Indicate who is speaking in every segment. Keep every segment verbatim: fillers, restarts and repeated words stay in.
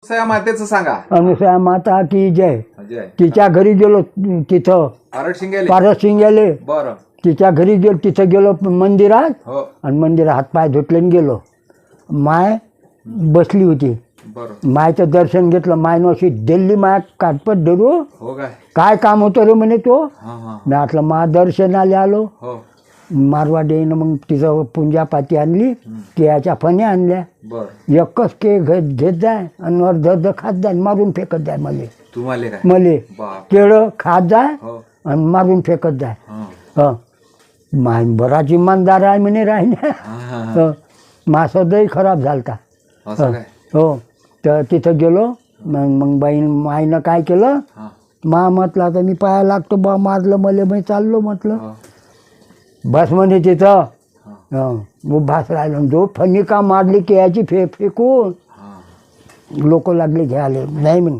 Speaker 1: अनुसया मातेचं सांगा.
Speaker 2: अनुसया माता की जय.
Speaker 1: जय.
Speaker 2: तिच्या घरी गेलो तिथं
Speaker 1: पारड शिंगेले.
Speaker 2: पारस शिंगेले
Speaker 1: बरं.
Speaker 2: तिच्या घरी गेलो तिथं गेलो मंदिरात
Speaker 1: हो.
Speaker 2: आणि मंदिरात हातपाय धुतले आणि गेलो. माय बसली होती.
Speaker 1: बरं.
Speaker 2: मायचं दर्शन घेतलं. मायनं अशी दिल्ली माय काटपट धरू
Speaker 1: हो काय.
Speaker 2: काय काम होतं रे म्हणे तो.
Speaker 1: हां हां.
Speaker 2: मी म्हटलं मा दर्शनाला आलो.
Speaker 1: हो.
Speaker 2: मारवाडीनं मग तिचं पूंजापाती आणली. केळ्याच्या फण्या आणल्या.
Speaker 1: बरं.
Speaker 2: एकच के घेत घेत जाय आणि अर्ध अर्ध खात जाय मारून फेकत जाय. मले
Speaker 1: तुम्हाला काय.
Speaker 2: मले
Speaker 1: बाप.
Speaker 2: केळं खात जाय
Speaker 1: हो.
Speaker 2: आणि मारून फेकत जाय.
Speaker 1: हां.
Speaker 2: हं माय बराच इमानदार आहे म्हणे राहिल्या.
Speaker 1: हां, हां.
Speaker 2: हं मा सदैव खराब झालता.
Speaker 1: असं काय.
Speaker 2: हो तर तिथं गेलो. मग मग बाईन माईनं काय केलं.
Speaker 1: हां.
Speaker 2: मा म्हटलं आता मी पाया लागतो बा मारलं मले मी चाललो म्हटलं.
Speaker 1: हो.
Speaker 2: बस म्हणे तिथं.
Speaker 1: हां.
Speaker 2: हं मग भास राहिलो. जो फणी का मारली केळ्याची फे फेकून
Speaker 1: हां.
Speaker 2: लोक लागले घ्यायला नाही म्हणे.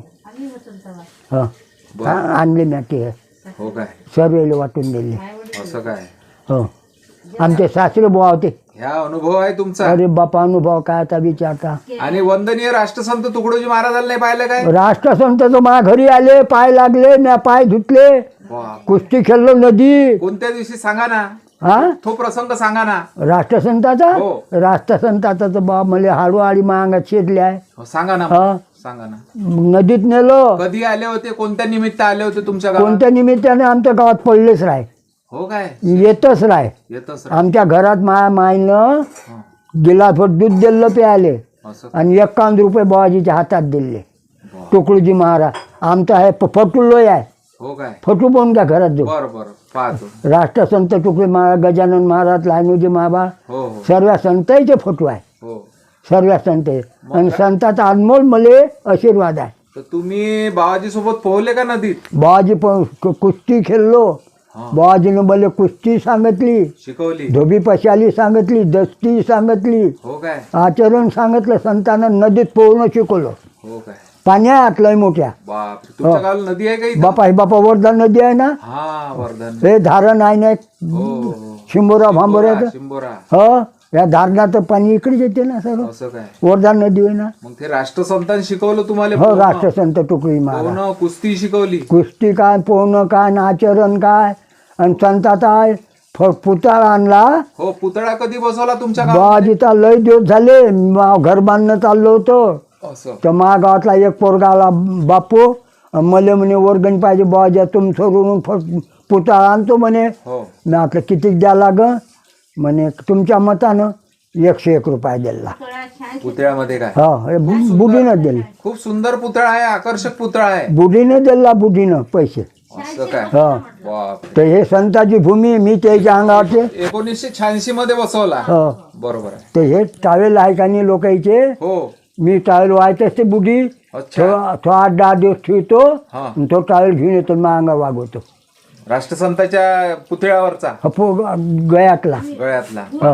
Speaker 2: हं
Speaker 1: बरं.
Speaker 2: हां आणले मी ते
Speaker 1: हो काय.
Speaker 2: सर्वेला वाटून दिले.
Speaker 1: असं काय.
Speaker 2: हो आमचे सासरे बुवा होते.
Speaker 1: ह्या अनुभव आहे तुमचा.
Speaker 2: अरे बापा अनुभव काय आता विचारता.
Speaker 1: आणि वंदनीय राष्ट्रसंत तुकडोजी महाराजांना नाही पाहिलं काय.
Speaker 2: राष्ट्रसंत तर माझ्या घरी आले. पाय लागले म्या पाय धुतले.
Speaker 1: बाप.
Speaker 2: कुस्ती खेळलो नदी.
Speaker 1: कोणत्या दिवशी सांगा ना.
Speaker 2: हा
Speaker 1: तो प्रसंग सांगा ना.
Speaker 2: राष्ट्रसंताचा
Speaker 1: हो.
Speaker 2: राष्ट्रसंताचा तर बा मला हाडूहाडी मांगात शिरले आहे.
Speaker 1: हो, सांगा ना.
Speaker 2: हा
Speaker 1: सांगा ना.
Speaker 2: मग नदीत नेलो.
Speaker 1: कधी आले होते. कोणत्या निमित्त आले होते तुमच्या गावात.
Speaker 2: कोणत्या निमित्ताने आमच्या गावात पडलेच राय.
Speaker 1: हो काय.
Speaker 2: येतच राय.
Speaker 1: येतच.
Speaker 2: आमच्या घरात माया माईनं
Speaker 1: हं.
Speaker 2: गिलासभर दूध दिलं प्यायले
Speaker 1: असं.
Speaker 2: आणि एक्कावन्न रुपये बाबाजीच्या हातात दिले.
Speaker 1: बाप.
Speaker 2: तुकडोजी महाराज आमचा आहे फ- फटू लोय आहे.
Speaker 1: हो काय.
Speaker 2: फटू पण घ्या घरात जाऊ.
Speaker 1: बरं बरं पाहतो.
Speaker 2: राष्ट्रसंत तुकडोजी महाराज गजानन महाराज लहानोजी महाबा
Speaker 1: हो हो
Speaker 2: सर्व संतांचे फोटो आहे.
Speaker 1: हो.
Speaker 2: सर्व संत आणि संताचा अनमोल मले आशीर्वाद आहे.
Speaker 1: तर तुम्ही बाबाजी सोबत पोहले का नदीत.
Speaker 2: बाबाजी पण कु- कुस्ती खेळलो.
Speaker 1: हा.
Speaker 2: बाबाजीनं मला कुस्ती सांगितली.
Speaker 1: शिकवली.
Speaker 2: धोबी पशाली सांगितली. दस्ती सांगितली.
Speaker 1: हो काय.
Speaker 2: आचरण सांगितलं. संतानं नदीत पोहणं शिकवलं.
Speaker 1: हो काय.
Speaker 2: पाण्यात लय मोठ्या.
Speaker 1: बाप. तुमच्या गावाला नदी आहे का इथं.
Speaker 2: बापा हे बापा वर्धा नदी आहे ना.
Speaker 1: हा वर्धन.
Speaker 2: हे धारण आहे ना
Speaker 1: हो हो.
Speaker 2: शिंबोरा भांबोऱ्याचं.
Speaker 1: शिंबोरा.
Speaker 2: हो या धारणाचं पाणी इकडेच येते ना सर्व.
Speaker 1: असं काय.
Speaker 2: वर्धा नदी आहे ना.
Speaker 1: मग ते राष्ट्रसंतांनी शिकवलं तुम्हाला.
Speaker 2: हो
Speaker 1: पोहणं?
Speaker 2: राष्ट्रसंत तुकडोजी महाराज
Speaker 1: पोहणं कुस्ती शिकवली.
Speaker 2: कुस्ती काय पोहणं काय आणि आचरण काय आणि संताचा फ- पुतळा आणला.
Speaker 1: हो. पुतळा कधी बसवला तुमच्या गावात.
Speaker 2: बाबाजीचा लय दिवस झाले. मा- घर बांधणं चाललं होतं
Speaker 1: असं.
Speaker 2: तर माझ्या गावातला एक पोरगा आला. बापू मला म्हणे वर्गणी पाहिजे बाबाजी तुम सोडून फ- पुतळा आणतो म्हणे.
Speaker 1: हो.
Speaker 2: मी म्हटलं किती द्या लाग म्हणे तुमच्या मतानं एकशे एक रुपये दिला.
Speaker 1: पुतळ्यामध्ये काय.
Speaker 2: हो हे बु- बुढीनं दिले.
Speaker 1: खूप सुंदर पुतळा आहे. आकर्षक पुतळा आहे.
Speaker 2: बुढीनं दिला बुढीनं पैसे.
Speaker 1: असं काय.
Speaker 2: हो
Speaker 1: बाप.
Speaker 2: तर हे संताची भूमी मी त्याच्या अंगावरचे.
Speaker 1: एकोणीसशे शहाऐंशी मध्ये बसवला.
Speaker 2: हो
Speaker 1: बरोबर आहे.
Speaker 2: तर हे टावेल आहे का नाही लोकांचे.
Speaker 1: हो.
Speaker 2: मी टावेल व्हायचं असते बुढी.
Speaker 1: अच्छा.
Speaker 2: तो तो आठ दहा दिवस ठेवतो
Speaker 1: हा.
Speaker 2: आणि तो टावेल घेऊन येतो मग अंगा वागवतो.
Speaker 1: राष्ट्रसंताच्या पुतळ्यावरचा.
Speaker 2: हपो गयातला.
Speaker 1: गळ्यातला.
Speaker 2: हो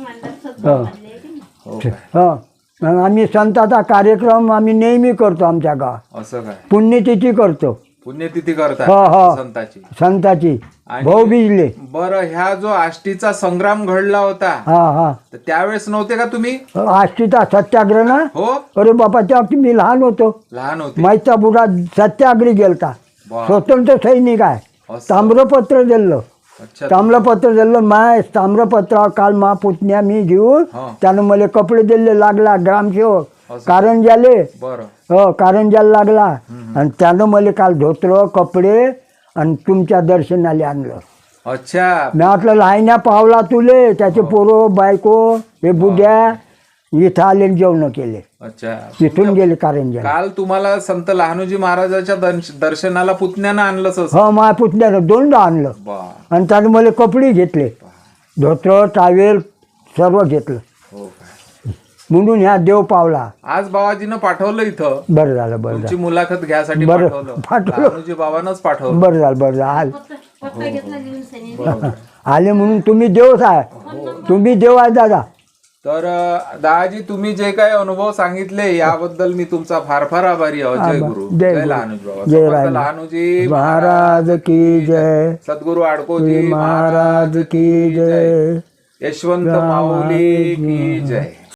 Speaker 2: हो
Speaker 1: हो काय.
Speaker 2: हो मग आम्ही संताचा कार्यक्रम आम्ही नेहमी करतो आमच्या गावात.
Speaker 1: असं काय.
Speaker 2: पुण्यतिथी करतो
Speaker 1: पुण्यतिथी करता
Speaker 2: हो, हो.
Speaker 1: संताची.
Speaker 2: संताची
Speaker 1: आणि-
Speaker 2: भाऊ बिजले.
Speaker 1: बरं. ह्या जो आष्टीचा संग्राम घडला होता
Speaker 2: हा हा
Speaker 1: तर त्यावेळेस नव्हते का तुम्ही.
Speaker 2: आष्टीचा सत्याग्रह ना.
Speaker 1: हो.
Speaker 2: अरे बापा त्या मी लहान होतो.
Speaker 1: लहान होते.
Speaker 2: माईचा बुडा सत्याग्रही गेलता.
Speaker 1: वा.
Speaker 2: स्वतंत्र सैनिक आहे.
Speaker 1: असं.
Speaker 2: ताम्रपत्र दिलं.
Speaker 1: अच्छा.
Speaker 2: ताम्रपत्र दिलं माय ताम्रपत्रावर काल मा पुतण्या मी घेऊन
Speaker 1: हा.
Speaker 2: त्यानं मला कपडे दिले लागला ग्रामसेवक
Speaker 1: असं.
Speaker 2: कारंजाले.
Speaker 1: बरं.
Speaker 2: हो कारंजाला लागला आणि त्यानं मला काल धोतर कपडे आणि तुमच्या दर्शनाला आणलं.
Speaker 1: अच्छा.
Speaker 2: मी म्हटलं लहान्या पावला तुले त्याचे पोरं बायको हे बुड्या इथं आले जेवण केले.
Speaker 1: अच्छा.
Speaker 2: तिथून गेले कारंजा.
Speaker 1: काल तुम्हाला संत लहानोजी महाराजाच्या दर्श- दर्शनाला पुतण्यानं आणलं असं.
Speaker 2: हो माझ्या पुतण्यानं दोनदा आणलं
Speaker 1: बा.
Speaker 2: आणि त्यानं मला कपडे घेतले. धोतर टावेल सर्व घेतलं.
Speaker 1: हो काय.
Speaker 2: म्हणून ह्या देव पावला.
Speaker 1: आज बाबाजीनं पाठवलं इथं.
Speaker 2: बरं झालं बरं
Speaker 1: तुमची
Speaker 2: झालं
Speaker 1: मुलाखत घ्यासाठी
Speaker 2: बरं,
Speaker 1: पाठवलं.
Speaker 2: पाठवलं.
Speaker 1: लहानोजी बाबांनाच पाठवलं.
Speaker 2: बरं झालं बरं झालं आले म्हणून तुम्ही देवच आहे. तुम्ही देव आहे दादा.
Speaker 1: तर अं, दादाजी तुम्ही जे काही अनुभव सांगितले याबद्दल मी तुमचा फार फार आभारी आहोत. जय गुरु.
Speaker 2: जय
Speaker 1: जय
Speaker 2: गुरु.
Speaker 1: लहानोजी बाबा.
Speaker 2: जय
Speaker 1: समर्थ
Speaker 2: राम.
Speaker 1: लहानोजी
Speaker 2: महाराज की जय.
Speaker 1: सद्गुरु आडकोजी
Speaker 2: महाराज की जय.
Speaker 1: यशवंत माऊली की जय.